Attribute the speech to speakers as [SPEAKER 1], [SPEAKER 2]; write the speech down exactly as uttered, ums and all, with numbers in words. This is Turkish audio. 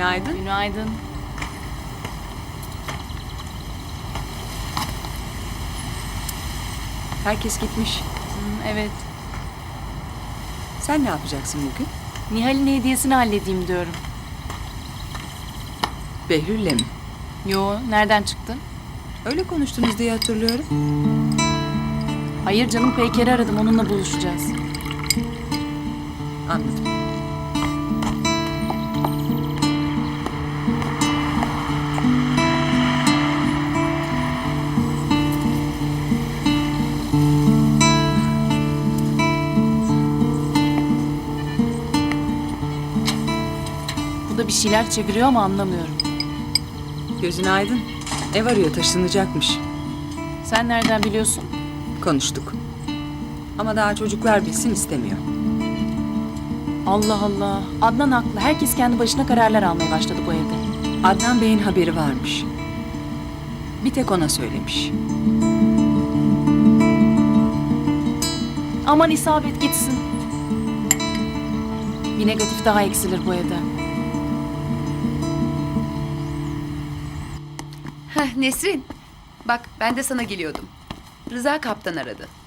[SPEAKER 1] Günaydın.
[SPEAKER 2] Günaydın.
[SPEAKER 1] Herkes gitmiş.
[SPEAKER 2] Hı, evet.
[SPEAKER 1] Sen ne yapacaksın bugün?
[SPEAKER 2] Nihal'in hediyesini halledeyim diyorum.
[SPEAKER 1] Behlül'le mi?
[SPEAKER 2] Yo, nereden çıktın?
[SPEAKER 1] Öyle konuştunuz diye hatırlıyorum.
[SPEAKER 2] Hayır canım, Peyker'i aradım. Onunla buluşacağız.
[SPEAKER 1] Anladım.
[SPEAKER 2] Bu da bir şeyler çeviriyor ama anlamıyorum.
[SPEAKER 1] Gözün aydın. Ev arıyor, taşınacakmış.
[SPEAKER 2] Sen nereden biliyorsun?
[SPEAKER 1] Konuştuk. Ama daha çocuklar bilsin istemiyor.
[SPEAKER 2] Allah Allah. Adnan haklı. Herkes kendi başına kararlar almaya başladı bu evde.
[SPEAKER 1] Adnan Bey'in haberi varmış. Bir tek ona söylemiş.
[SPEAKER 2] Aman isabet gitsin. Bir negatif daha eksilir bu evde.
[SPEAKER 3] Heh, Nesrin, bak ben de sana geliyordum. Rıza kaptan aradı.